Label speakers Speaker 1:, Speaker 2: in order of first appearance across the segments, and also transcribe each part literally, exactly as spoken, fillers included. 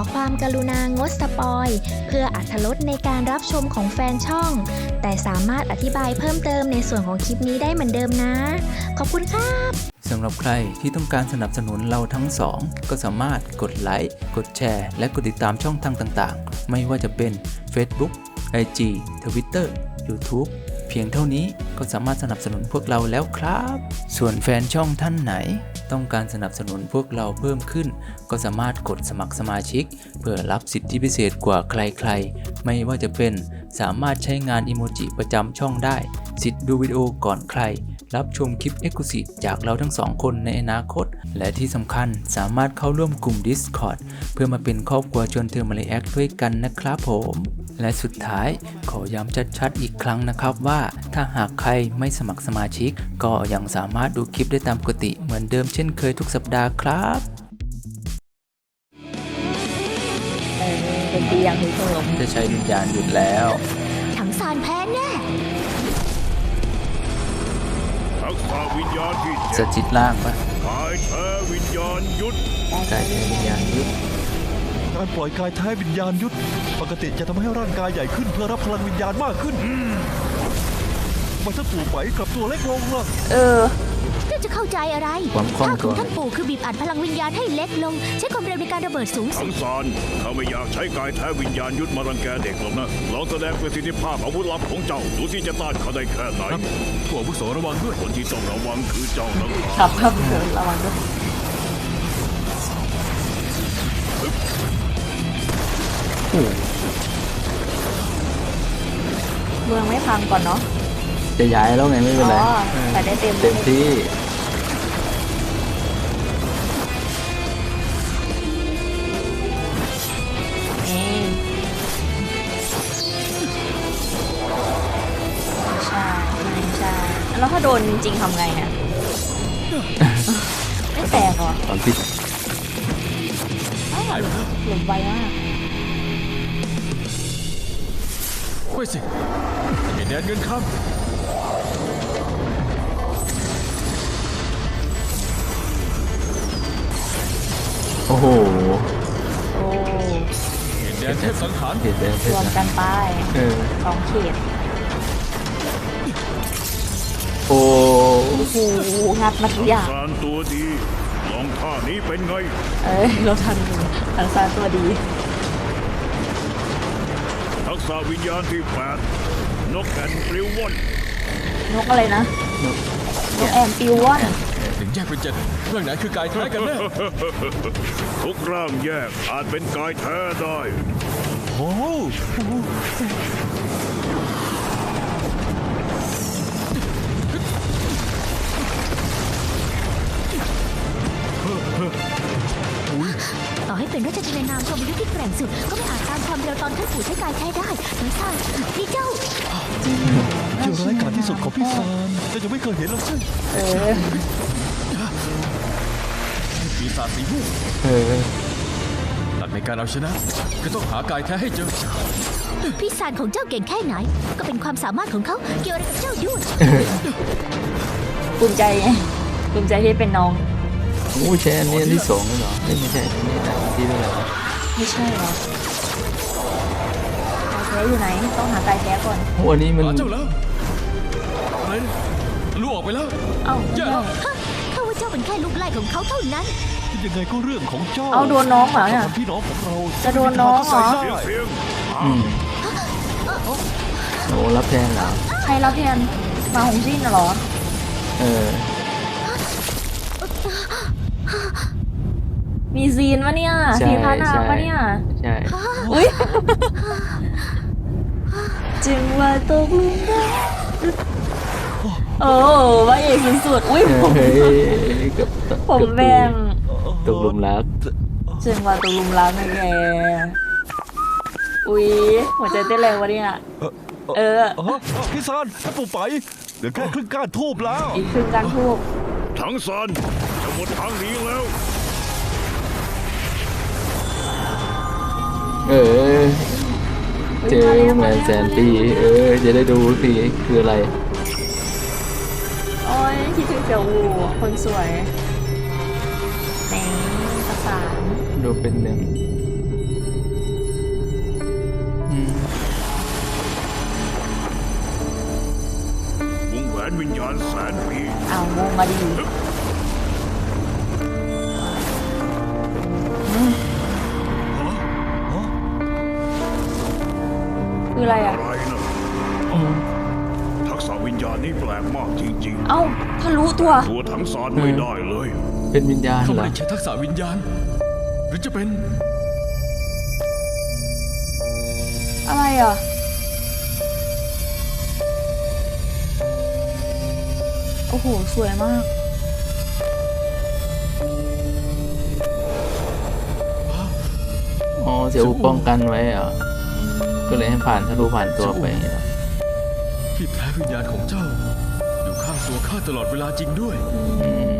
Speaker 1: ความกรุณางดสปอยเพื่ออรรถรสในการรับชมของแฟนช่องแต่สามารถอธิบายเพิ่มเติมในส่วนของคลิปนี้ได้เหมือนเดิมนะขอบคุณครับ
Speaker 2: สำหรับใครที่ต้องการสนับสนุนเราทั้งสองก็สามารถกดไลค์กดแชร์และกดติดตามช่องทางต่างๆไม่ว่าจะเป็น Facebook ไอ จี Twitter YouTube เพียงเท่านี้ก็สามารถสนับสนุนพวกเราแล้วครับส่วนแฟนช่องท่านไหนต้องการสนับสนุนพวกเราเพิ่มขึ้นก็สามารถกดสมัครสมาชิกเพื่อรับสิทธิพิเศษกว่าใครๆไม่ว่าจะเป็นสามารถใช้งานอิโมจิประจำช่องได้สิทธิ์ดูวิดีโอก่อนใครรับชมคลิป Exclusive จากเราทั้งสองคนในอนาคตและที่สำคัญสามารถเข้าร่วมกลุ่ม Discord เพื่อมาเป็นครอบครัวชวนเธอมาเลแอคด้วยกันนะครับผมและสุดท้ายขอย้ำชัดๆอีกครั้งนะครับว่าถ้าหากใครไม่สมัครสมาชิกก็ยังสามารถดูคลิปได้ตามปกติเหมือนเดิมเช่นเคยทุกสัปดาห์ครับ
Speaker 3: เออเป็นเตียงคุณผู้ชม
Speaker 2: จะใช้วิญญาณหยุดแล้ว
Speaker 1: ถังซานแพ้แน่
Speaker 4: ทักษะวิญญาณที่
Speaker 2: สจิตล่างปะ
Speaker 4: กายแท้วิญญาณยุทธ
Speaker 2: กายแท้วิญญาณยุทธ
Speaker 5: การปล่อยกายแท้วิญญาณยุทธปกติจะทำให้ร่างกายใหญ่ขึ้นเพื่อรับพลังวิญญาณมากขึ้นมันถ้าปู่ไปกลับตัวเล็กลงล่ะ
Speaker 3: เออ
Speaker 1: เจ้าจะเข้าใจอะไร
Speaker 2: ความคล่องตัว
Speaker 1: ของท่านปู่คือบีบอัดพลังวิญญาณให้เล็กลงใช้ความเร็วในการระเบิดสูงสุด
Speaker 4: ทั้งสารข้าไม่อยากใช้กายแท้วิญญาณยุทธมารังแกเด็กหรอกนะลองแสดงประสิทธิภาพอาวุธลับของเจ้าดูที่จะต้านเขาได้แค่ไหนผู้อาวุโสระวังด้วยคนที่ต้องระวังคือเจ้านะครับ
Speaker 3: ครับระวังด้วยเมืองไม่พังก่อนเนาะ
Speaker 2: จะย้ายแล้วไงไม่เป็นไร
Speaker 3: แต่ได้เต็ม
Speaker 2: เต็มที่
Speaker 3: ใช่ใช่แล้วถ้าโดนจริงๆทำไงเนี่ยไม่แตกหรอ
Speaker 2: ตอนพิษ
Speaker 3: หลุดไวมาก
Speaker 5: เฮ้ยสิเห็นแดนเงินข้าม
Speaker 2: โอ้โห
Speaker 3: โอ้
Speaker 5: เห็นแดนเทพสังหาร
Speaker 2: เห็นแดนเทพ
Speaker 3: รวมกันไป
Speaker 2: เออ
Speaker 3: สองเขต
Speaker 2: โอ้
Speaker 3: โหงัดมาทุกอย่าง
Speaker 4: สารตัวดีลองท่านี้เป็นไง
Speaker 3: เอ้ยเราทันทันซานตัวดี
Speaker 4: ทักษะวิญญาณที่แปดนกแอ่นปลิวว่อน
Speaker 3: นกอะไรนะนกแอ่นปลิวว่อน
Speaker 5: ถึงแยกเป็นเจ็ดเรื่องไหนคือกายแท้กันแน่
Speaker 4: ทุกร่างแยกอาจเป็นกายแท้ได้
Speaker 5: โอ้
Speaker 1: ต่อให้เป็นราชธินานามชมยุทธที่แกร่งสุดก็ไม่อาจตามความเร็วตอนท่านปู่ใช้กายแท้ได้ทั้งซานนี่เจ้า
Speaker 5: เจ้าร้ายกาจที่สุดของพี่ซานแต่ยังไม่เคยเห็นหรอกใช่
Speaker 3: เออ
Speaker 5: ปีศาจสีม่วง
Speaker 2: เออ
Speaker 5: หลักในการเอาชนะก็ต้องหากายแท้ให้เจอ
Speaker 1: พี่ซานของเจ้าเก่งแค่ไหนก็เป็นความสามารถของเขาเกี่ยวอะไรกับเจ้าด้วย
Speaker 3: ภูมิใจไงภูมิใจที่เป็นน้อง
Speaker 2: โอ้ใช่อันนี้อันที่สองเลยเหรอไม่ไม่ใช่อันนี้อันที่เท่าไหร่
Speaker 3: ไม่ใช่หรอไก่แท้อยู่ไหนต้องหาไก่แท้ก่อน
Speaker 2: โอ้อันนี้มัน
Speaker 5: เจ้าแล้วอะไรลูกออกไปแล้ว
Speaker 3: เอ้า
Speaker 5: เจ้า
Speaker 1: ข้าว่าเจ้าเป็นแค่ลูกไล่ของเขาเท่านั้น
Speaker 5: ยังไงก็เรื่องของเจ้า
Speaker 3: เอาโดนน้องเหรอเนี่ย
Speaker 5: พี่น้องของเรา
Speaker 3: จะโดนน้องเหรอ
Speaker 2: อืมโอ้รับแทนเหรอ
Speaker 3: ใครรับแทนมาหงสิ้นเหรอ
Speaker 2: เออ
Speaker 3: มีซีนวะเนี่ยซีนพานาปะเนี่ย
Speaker 2: ใช่
Speaker 3: อุ้ยจึงว่าตกลุมรักโอ้ว่าเอกสุดๆอุ้ยผมผมแบ่ง
Speaker 2: ตกลุมรัก
Speaker 3: จึงว่าตกลุมรักนะแกอุ้ยหัวใจเต้นแรงวะเนี่ยเออ
Speaker 5: พี่ซานถ้าปู่ไปเดี๋ยวแค่ครึ่งก้านทูบแล้ว
Speaker 3: อีกครึ่งก้านทูบ
Speaker 4: ทั้งซานจะหมดทางหนีแล้ว
Speaker 2: เออเจอแมนแสนปีเออจะได้ดูทีคืออะไร
Speaker 3: โอ้ยคิดถึงเสี่ยวอู่คนสวยในภาษา
Speaker 2: ดูเป็นหนึ่ง
Speaker 4: นวิญญาณแสนปี
Speaker 3: อ้าวงงมาดีคืออะไรอ่ะ
Speaker 4: อะไรนะทักษะวิญญาณนี้แปลกมากจริง
Speaker 3: เอ้าทะลุตัว
Speaker 4: ๆ ตัวทั้งสารไม่ได้เลย
Speaker 2: เป็นวิญญาณ
Speaker 6: เขา
Speaker 2: เหร
Speaker 6: ไม่
Speaker 2: อ
Speaker 6: ได้ใช้ทักษะวิญญาณ หรือจะเป็น
Speaker 3: อะไรอ่ะ โอ้โห สวยมาก
Speaker 2: อ๋อเสียอูป้องกันไว้เหรอก็เลยให้ผ่านทะลุผ่านตัวไปเหรอ
Speaker 6: ที่แท้วิญญาณของเจ้า อยู่ข้างตัวข้าตลอดเวลาจริงด้วย
Speaker 2: อืม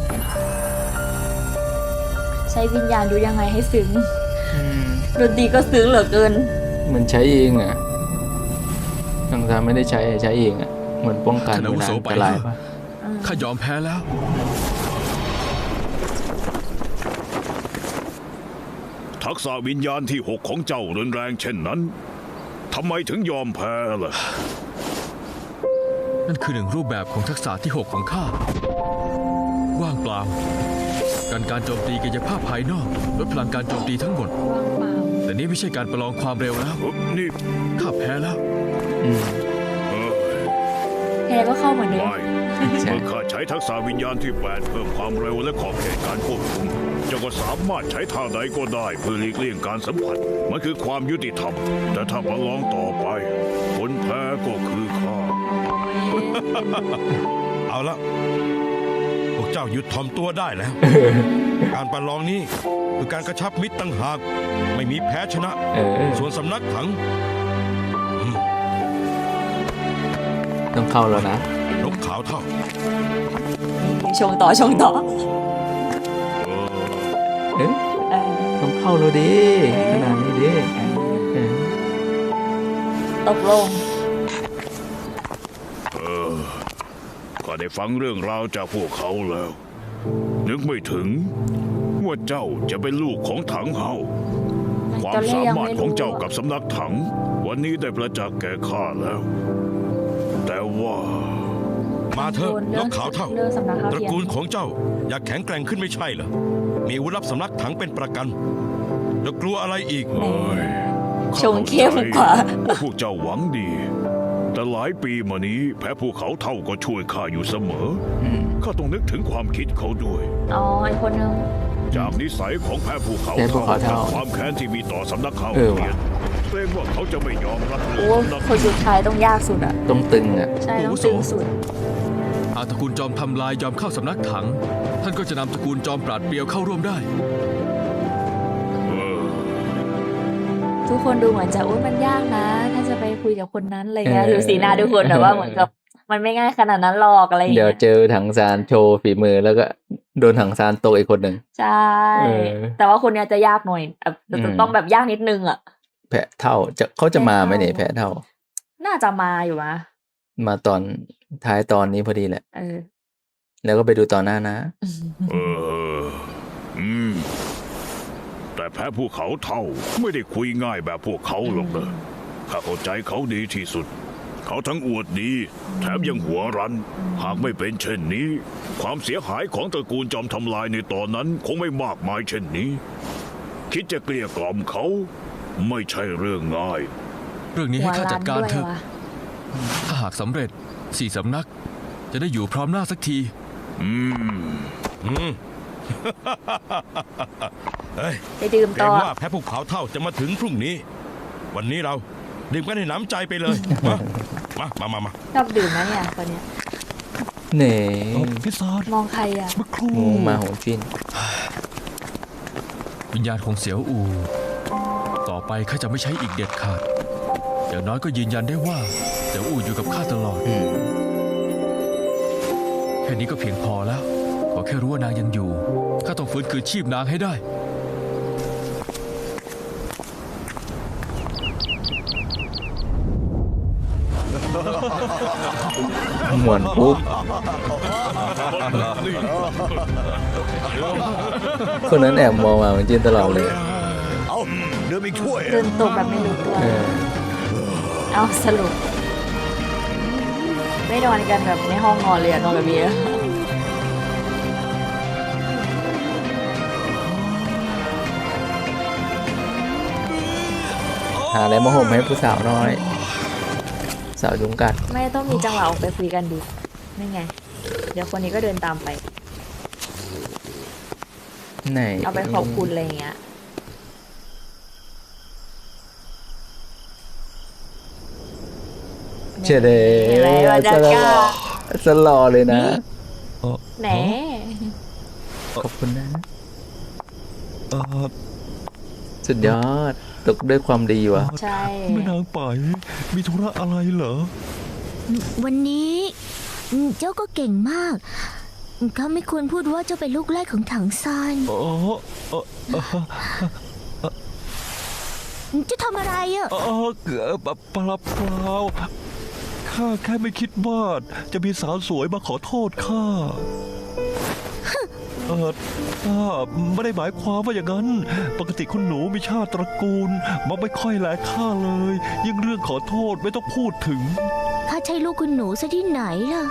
Speaker 3: ใช้วิญญาณดูยังไงให้ซึ้ง
Speaker 2: อืม
Speaker 3: ดนตรีก็ซึ้งเหลือเกิน
Speaker 2: เหมือนใช้เองอ่ะทางการไม่ได้ใช้ใช้เองอ่ะเหมือนป้องกัน
Speaker 6: ท่านอาวุ
Speaker 2: เวลา
Speaker 6: โส
Speaker 2: อัน
Speaker 6: ไป
Speaker 2: ตราย
Speaker 6: แล้ว
Speaker 2: ปะ
Speaker 6: ข้ายอมแพ้แล้ว
Speaker 4: ทักษะวิญญาณที่หกของเจ้ารุนแรงเช่นนั้นทำไมถึงยอมแพ้ล่ะ
Speaker 6: นั่นคือหนึ่งรูปแบบของทักษะที่หกของข้า ว่างเปล่า การการโจมตีกายภาพภายนอกลดพลังการโจมตีทั้งหมด
Speaker 3: ว่างเปล่า
Speaker 6: แต่นี่ไม่ใช่การประลองความเร็วแล้ว
Speaker 4: นี่
Speaker 6: ข้าแพ้แล้ว
Speaker 2: อืม
Speaker 4: เออ
Speaker 3: แพ้ก็เข้าเหมือนเดิม
Speaker 4: ไม่
Speaker 2: ใช่
Speaker 4: เมื่อข้าใช้ทักษะวิญญาณที่แปดเพิ่มความเร็วและขอบเขตการควบคุมเจ้าก็สามารถใช้ท่าใดก็ได้เพื่อหลีกเลี่ยงการสัมผัสมันคือความยุติธรรม แต่ถ้าประลองต่อไปคนแพ้ก็คือข้า
Speaker 5: เอาละพวกเจ้าหยุดถ่อมตัวได้แล้ว การประลองนี้คือการกระชับมิตรตั้งหาก ไม่มีแพ้ชนะ
Speaker 2: เออ
Speaker 5: ส่วนสำนักถัง
Speaker 2: ต้องเข้าแล้วนะ
Speaker 5: นกขาวเท่า
Speaker 3: ชงต่อชงต่อ
Speaker 2: เอ๊ะ
Speaker 3: เออ
Speaker 2: ต้องเข้าแล้วดิขนาดนี้ดิเออ
Speaker 3: ตกลง
Speaker 4: เออข้าได้ฟังเรื่องราวจากพวกเขาแล้ว นึกไม่ถึงว่าเจ้าจะเป็นลูกของถังเฮาความสามารถของเจ้ากับสำนักถัง วันนี้ได้ประจักษ์แก่ข้าแล้ว แต่ว่า
Speaker 5: มาเถอะนกขาวเท่า
Speaker 3: เรื่องสำนักข่าว
Speaker 5: ตระ
Speaker 3: เทียม
Speaker 5: กูลของเจ้าอยากแข็งแกร่งขึ้นไม่ใช่เหรอ มีอาวุธลับสำนักถังเป็นประกันจะกลัวอะไรอีก
Speaker 4: เอ้ย
Speaker 3: ชงเข้มกว่า
Speaker 4: ว่าพวกเจ้าหวังดี แต่หลายปีมานี้แพ้ภูเขาเท่าก็ช่วยข้าอยู่เสมอ
Speaker 2: อืม
Speaker 4: ข้าต้องนึกถึงความคิดเขาด้วย
Speaker 3: อ๋ออีกคนนึง
Speaker 4: จากนิสัยของแพ้ภูเขา
Speaker 2: แพ้ภูเขาเท่า
Speaker 4: และความแค้นที่มีต่อสำนักข่าว
Speaker 2: เออ
Speaker 4: เรีย
Speaker 2: ว่ะ
Speaker 4: นเกรงว่าเขาจะไม่ยอมรับ
Speaker 3: โอ้
Speaker 4: เรื่องสำนัก
Speaker 3: คนสุดท้ายต้องยากสุดอ่ะ
Speaker 2: ต้องตึงอ่ะ
Speaker 3: ใช่ต้องตึงสุด
Speaker 6: หากตระกูลจอมทำลายยอมเข้าสำนักถัง ท่านก็จะนำตระกูลจอมปราดเปรียวเข้าร่วมได้
Speaker 4: เออ
Speaker 3: ทุกคนดูเหมือนจะโอ้ยมันยากนะ ถ้าจะไปคุยกับคนนั้นอะไรเงี้ย
Speaker 2: เออ
Speaker 3: ดูสีหน้าทุกคนแต่ว่าเหมือนกับ มันไม่ง่ายขนาดนั้นหรอกอะไรอย่าง
Speaker 2: เดี๋ยว
Speaker 3: เงี้ย
Speaker 2: เจอถังซานโชว์ฝีมือแล้วก็โดนถังซานโตกอีกคนหนึ่ง
Speaker 3: ใช่
Speaker 2: เออ
Speaker 3: แต่ว่าคนเนี้ยจะยากหน่อยแบบจะ
Speaker 2: อืม
Speaker 3: ต้องแบบยากนิดนึงอ่ะ
Speaker 2: แพะเท่าจะเขาจะมาไหมเนี่ยแพะเท่า
Speaker 3: น่าจะมาอยู่มะ
Speaker 2: มาตอนท้ายตอนนี้พอดีแหละ
Speaker 3: เออ
Speaker 2: แล้วก็ไปดูตอนหน้านะ
Speaker 4: เอออืมแต่แพ้ภูเขาเท่าไม่ได้คุยง่ายแบบพวกเขาหรอกนะข้าเข้าใจเขาดีที่สุด เขาทั้งอวดดี แถมยังหัวรั้น หากไม่เป็นเช่นนี้ ความเสียหายของตระกูลจอมทำลายในตอนนั้นคงไม่มากมายเช่นนี้ คิดจะเกลี้ยกล่อมเขา ไม่ใช่เรื่องง่าย
Speaker 6: เรื่องนี้
Speaker 3: หั
Speaker 6: ให้
Speaker 3: ว
Speaker 6: ข้า
Speaker 3: ล้า
Speaker 6: จั
Speaker 3: น
Speaker 6: ดการ
Speaker 3: ด้วย
Speaker 6: เถอะ
Speaker 3: วะ
Speaker 6: ถ้าหากสำเร็จสี่สำนัก จะได้อยู่พร้อมหน้าสักที
Speaker 4: อืม
Speaker 5: อืม เฮ้ย
Speaker 3: ไปดื่ม
Speaker 5: เกร
Speaker 3: ต่อ
Speaker 5: งว่าแพ้ภูเขาเท่าจะมาถึงพรุ่งนี้ วันนี้เราดื่มกันให้หน้ำใจไปเลย มา มา มา มา
Speaker 3: ชอบดื่มนะเนี่ยคนเนี้ย
Speaker 2: เน่
Speaker 5: พิซซ่าม
Speaker 3: องใครอ่ะ
Speaker 5: เมื่อครู่
Speaker 2: งูมาโหงจิน
Speaker 6: วิญญาณของเสียวอู ต่อไปข้าจะไม่ใช้อีกเด็ดขาด อย่างน้อยก็ยืนยันได้ว่าเสียวอูอยู่กับข้าตลอด
Speaker 2: อืม
Speaker 6: แค่นี้ก็เพียงพอแล้ว ขอแค่รู้ว่านางยังอยู่ ข้าต้องฟื้นคืนชีพนางให้ได้
Speaker 2: หมวนปุ๊บคนนั้นแอบมองมาเหมือนจินตลอดเลย
Speaker 7: เอาเดิมอีกถ้วย
Speaker 3: เดินตกแบบไม่รู้ตัว
Speaker 2: เออ
Speaker 3: เอาสรุปไม่นอนกันแบบในห้องนอนเลยอะนอนแบบนี้
Speaker 2: หาอะไรมาห่มให้ผู้สาวน้อย สาวยุงกัด
Speaker 3: ไม่ต้องมีจังหวะออกไปคุยกันดินี่ไง เดี๋ยวคนนี้ก็เดินตามไป
Speaker 2: ไหน
Speaker 3: เอาไปขอบคุณอะไรอย่างเงี้ย
Speaker 2: เฉยเลย
Speaker 3: เห็นไหมว่าจะ
Speaker 2: ส
Speaker 3: ก
Speaker 2: ล
Speaker 3: ล้า
Speaker 2: อสลอเลยนะ
Speaker 5: เอ่อ
Speaker 3: แหน
Speaker 2: ขอบคุณนะ
Speaker 5: เอ่อ
Speaker 2: สุดยอดตกด้วยความดีวะ
Speaker 3: ใช่
Speaker 5: แม่นางไปมีธุระอะไรเหรอ
Speaker 8: วันนี้อืมเจ้าก็เก่งมากข้าไม่ควรพูดว่าเจ้าเป็นลูกแรกของถังซาน
Speaker 5: อ๋อเออเออ
Speaker 8: จะทำอะไรอ่ะ
Speaker 5: เออเอ่อเปล่าเปล่าเปล่าข้าแค่ไม่คิดว่าจะมีสาวสวยมาขอโทษข้าเออข้าไม่ได้หมายความว่าอย่างนั้น ปกติคุณหนูมีชาติตระกูลมันไม่ค่อยแลข้าเลย ยิ่งเรื่องขอโทษไม่ต้องพูดถึง
Speaker 8: ข้าใช่ลูกคุณหนูซะที่ไหนล่ะ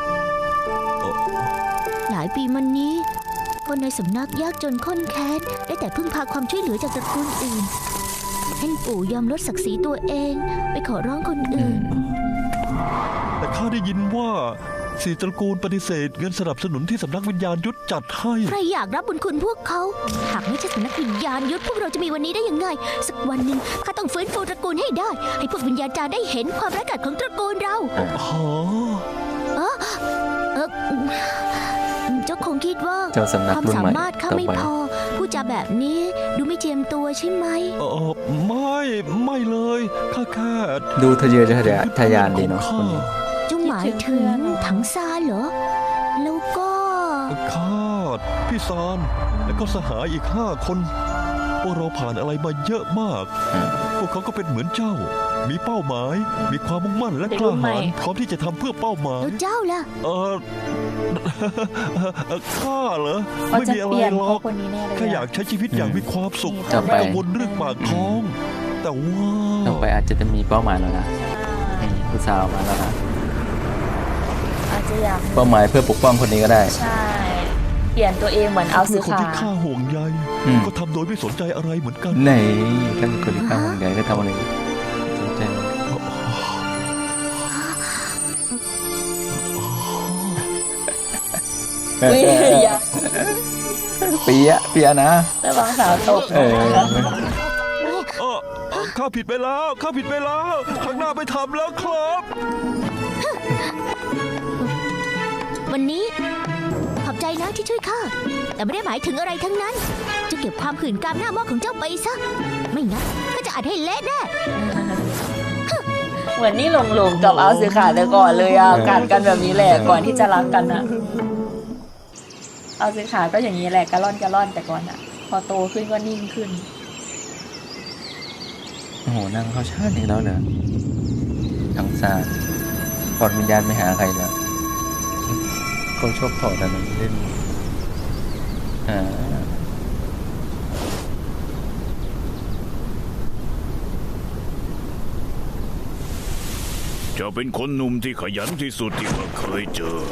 Speaker 8: หลายปีมานี้ คนในสำนักยากจนข้นแค้นได้แต่พึ่งพาความช่วยเหลือจากตระกูลอื่นท่านปู่ยอมลดศักดิ์ศรีตัวเอง ไปขอร้องคนอื่น
Speaker 5: แต่ข้าได้ยินว่าสี่ตระกูลปฏิเสธเงินสนับสนุนที่สำนักวิญญาณยุทธจัดให้
Speaker 8: ใครอยากรับบุญคุณพวกเขา หากไม่ใช่สำนักวิญญาณยุทธพวกเราจะมีวันนี้ได้ยังไง สักวันหนึ่งข้าต้องฟื้นฟูตระกูลให้ได้ ให้พวกวิญญาณจารย์ได้เห็นความร้ายกาจของตระกูลเรา
Speaker 5: หอ
Speaker 8: เออเออเจ้าคงคิดว่า
Speaker 2: เจ้าสำนัก
Speaker 8: ความ
Speaker 2: รุ่น
Speaker 8: สา
Speaker 2: ใหม่
Speaker 8: มารถข้า
Speaker 2: ต่อ
Speaker 8: ไม่
Speaker 2: ไป
Speaker 8: พอ ผู้จาแบบนี้ดูไม่เจียมตัวใช่ไหม
Speaker 5: เออไม่ไม่เลยข้าแค่
Speaker 2: ดูทะเยอทะยานทะยานดีเนาะคนนี้
Speaker 8: เจ้าหมายถึงถังซานเหรอ แล้วก็
Speaker 5: ข้าพี่ซานและก็สหายอีกห้าคนพวกเราผ่านอะไรมาเยอะมาก
Speaker 2: อืม
Speaker 5: พวกเขาก็เป็นเหมือนเจ้า มีเป้าหมาย มีความมุ่งมั่นและกล้าหาญพร้อมที่จะทำเพื่อเป้าหมาย
Speaker 8: แล้วเจ้าล่ะ
Speaker 5: เออเอ่อข้าเหรอ
Speaker 3: เขา
Speaker 5: ไม่
Speaker 3: จะ
Speaker 5: มีอะ
Speaker 3: เป
Speaker 5: ไร
Speaker 3: ลี่ยน
Speaker 5: หร
Speaker 3: เพ
Speaker 5: อ
Speaker 3: ราะ
Speaker 5: ก
Speaker 3: คนนี้แน่เลย
Speaker 5: แค่อยากใช้ชีวิตอย่างมีความสุข
Speaker 2: ต่อไป
Speaker 5: ไม่กังวลเรื่องปากท้อง แต่ว่า
Speaker 2: ต่อไปอาจจะเป็นมีเป้าหมายแล้วนะนี่ผู้สาวมาแล้วนะ
Speaker 3: อาจจะอยาก
Speaker 2: เป้าหมายเพื่อปกป้องคนนี้ก็ได้
Speaker 3: ใช่ เปลี่ยนตัวเองเหมือนเอา
Speaker 5: เพื่
Speaker 3: ซื้
Speaker 5: อ
Speaker 3: อ
Speaker 5: คน
Speaker 3: ขา
Speaker 5: ที่ข้าห่วงใย
Speaker 2: อืม
Speaker 5: ก็ทำโดยไม่สนใจอะไรเหมือนกัน
Speaker 2: ไหนถ้าเป็นคนที่ข้าห่วงใยก็ทำอะไรสนใจไหม
Speaker 3: อุ้ยอย่า
Speaker 2: เปียะเปียะนะ
Speaker 3: ระวังสาวตก
Speaker 2: เออ
Speaker 5: เออเออข้าผิดไปแล้ว ข้าผิดไปแล้วครั้งหน้าไม่ทำแล้วครับ
Speaker 8: วันนี้ ขอบใจนะที่ช่วยข้า แต่ไม่ได้หมายถึงอะไรทั้งนั้น จะเก็บความขื่นกามหน้าหม้อของเจ้าไปซะ ไม่งั้นก็จะอัดให้เละแน่
Speaker 3: เหมือนนี่หลงหลงๆกับเอาซื้อขาแต่ก่อนเลยอ่ะกัดกันแบบนี้แหละก่อนที่จะรักกันอ่ะ เอาซื้อขาก็อย่างนี้แหละกระล่อนกระล่อนแต่ก่อนอ่ะ พอโตขึ้นก็นิ่งขึ้น
Speaker 2: โอ้โหนางเขาชาติอีกแล้วเหรอทั้งซาถอดวิญญาณไม่หาใครเหรอเขาชอบถอดอะไรเล่นอ่า
Speaker 4: จะเป็นคนหนุ่มที่ขยันที่สุดที่ข้าเคยเจอ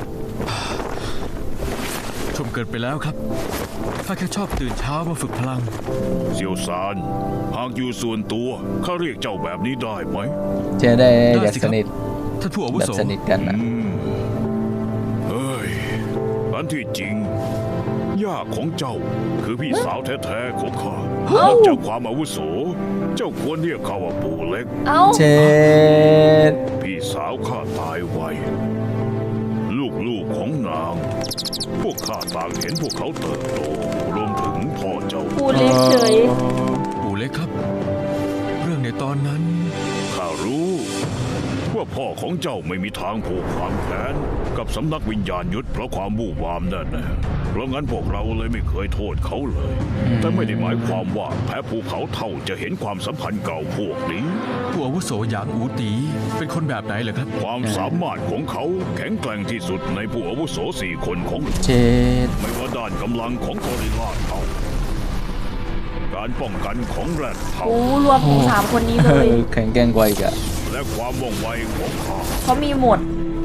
Speaker 6: ชมเกินไปแล้วครับข้าแค่ชอบตื่นเช้ามาฝึกพลัง
Speaker 4: เซียวซานหากอยู่ส่วนตัวข้าเรียกเจ้าแบบนี้ได้ไหม
Speaker 2: เจะได้
Speaker 6: ได้
Speaker 2: อยาก
Speaker 6: สิ
Speaker 2: ส
Speaker 6: ครับ
Speaker 2: นิท
Speaker 6: ท่านผู้อาวุ
Speaker 2: แบบ
Speaker 6: โส
Speaker 2: สนิทกันนะ
Speaker 4: อืมเฮ้ย อันที่จริง ย่าของเจ้าคือพี่สาวแท้ๆของข้านับจากความอาวุโส เจ้าควรเรียกเขาว่าปู่เล็ก
Speaker 3: เอ้า
Speaker 2: เช็ด
Speaker 4: พี่สาวข้าตายไว ลูกๆของนาง พวกข้าต่างเห็นพวกเขาเติบโต รวมถึงพ่อเจ้า
Speaker 3: ปูเล็กเฉย
Speaker 6: ปู่เล็กครับ เรื่องในตอนนั้น
Speaker 4: ข้ารู้ว่าพ่อของเจ้าไม่มีทางผูกความแค้นกับสำนักวิญญาณยุทธเพราะความวู่วามแน่ๆเพราะงั้นพวกเราเลยไม่เคยโทษเขาเลย แต่ไม่ได้หมายความว่าแพ้ภูเขาเท่าจะเห็นความสัมพันธ์เก่าพวกนี้
Speaker 6: ผู้อาวุโสหยางอูตีเป็นคนแบบไหนเหรอครับ
Speaker 4: ความสามารถของเขาแข็งแกร่งที่สุดในผู้อาวุโสสี่คนของ
Speaker 2: เช็ด
Speaker 4: ไม่ว่าด้านกำลังของกอริลลาเท่า การป้องกันของแรดเท่า
Speaker 3: โอ้รวมถึงสามคนนี้
Speaker 2: เอ
Speaker 3: เลย
Speaker 2: อแข็งแกร่งกว่าอีกอะ
Speaker 4: และความว่องไวของข้า
Speaker 3: เขามีหมด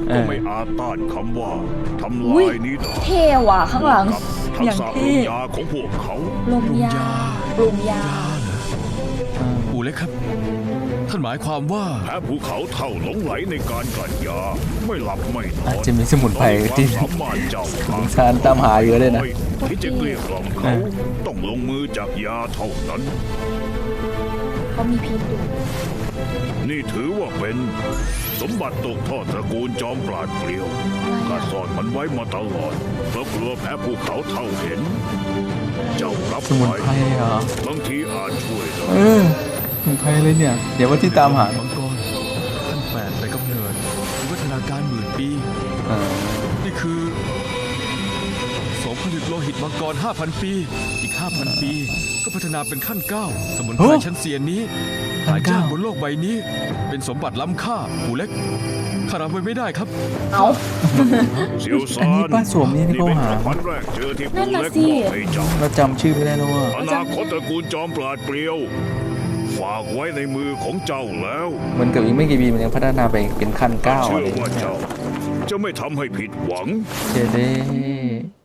Speaker 4: ก็ไม่อาจต้านคำว่าทำ
Speaker 3: อุ้ย
Speaker 4: ลายนี้ได้
Speaker 3: เท่ว่ะข้างหลัง
Speaker 4: กับทัก
Speaker 3: อย่าง
Speaker 4: ษะล
Speaker 3: เท่
Speaker 4: มยาของพวกเขา
Speaker 3: ลมยาลมยา
Speaker 6: อูเล็กครับ ท่านหมายความว่า
Speaker 4: แพ้ภูเขาเท่าหลงไหลในการกลั่นยา ไม่หลับไม่น
Speaker 2: อาจ
Speaker 4: อน
Speaker 2: จะมีสมุนไพรที่
Speaker 4: ความสามารถเจ้า
Speaker 2: สงสารตามหาเยอะเลยนะ
Speaker 4: ที่จะเกลี้ยกล่อมเขาต้องลงมือจากยาเท่านั้น
Speaker 3: เขามีพิษอยู่
Speaker 4: นี่ถือว่าเป็นสมบัติตกทอดตระกูลจอมปราดเปรียวข้าซ่อนมันไว้มาตลอดเพราะกลัวแพ้ภูเขาเท่าเห็น เจ้ารับ
Speaker 2: สมุนไพรเหรอ
Speaker 4: บางทีอาจช่วยได้
Speaker 2: เออสมุนไพรเลยเนี่ย เดี๋ยวว่าที่ตามหา
Speaker 6: มังกรท่านแปดแต่กำเนิดวิวัฒนาการหมื่นปี
Speaker 2: เออ
Speaker 6: นี่คือสมผลิตโลหิตมังกร ห้าพัน ปี อีก ห้าพัน ปี ก็พัฒนาเป็นขั้นเก้าสมุนไพรชั้นเซียนนี้หายากบนโลกใบนี้ เป็นสมบัติล้ำค่าหูเล็กข้ารับไว้ไม่ได้ครับ
Speaker 3: เอา
Speaker 4: เสียวซา
Speaker 2: อันนี้
Speaker 4: น
Speaker 2: ป้าสวมนี่ที่
Speaker 4: นี่
Speaker 2: เขา
Speaker 4: เป็น
Speaker 2: หา
Speaker 4: ของขวัญแรกเจอที่
Speaker 3: นั่
Speaker 4: ปู่
Speaker 3: นน่ะ
Speaker 4: เล็ก
Speaker 3: สิ
Speaker 4: มอบให้เจ้า
Speaker 2: เราจำชื่อไม่ได้แล้วว่า
Speaker 4: อนาคตตระกูลจอมปราดเปรียว ฝากไว้ในมือของเจ้าแล้ว
Speaker 2: เหมันกับอีกไม่กี่ปีมันยังพัฒนาไปเป็นขั้นเก้า
Speaker 4: เชื่
Speaker 2: อะไร
Speaker 4: อ
Speaker 2: อย่าง
Speaker 4: ว่า
Speaker 2: เงี้ย
Speaker 4: เจ้าจะไม่ทำให้ผิดหวัง
Speaker 2: เจเด้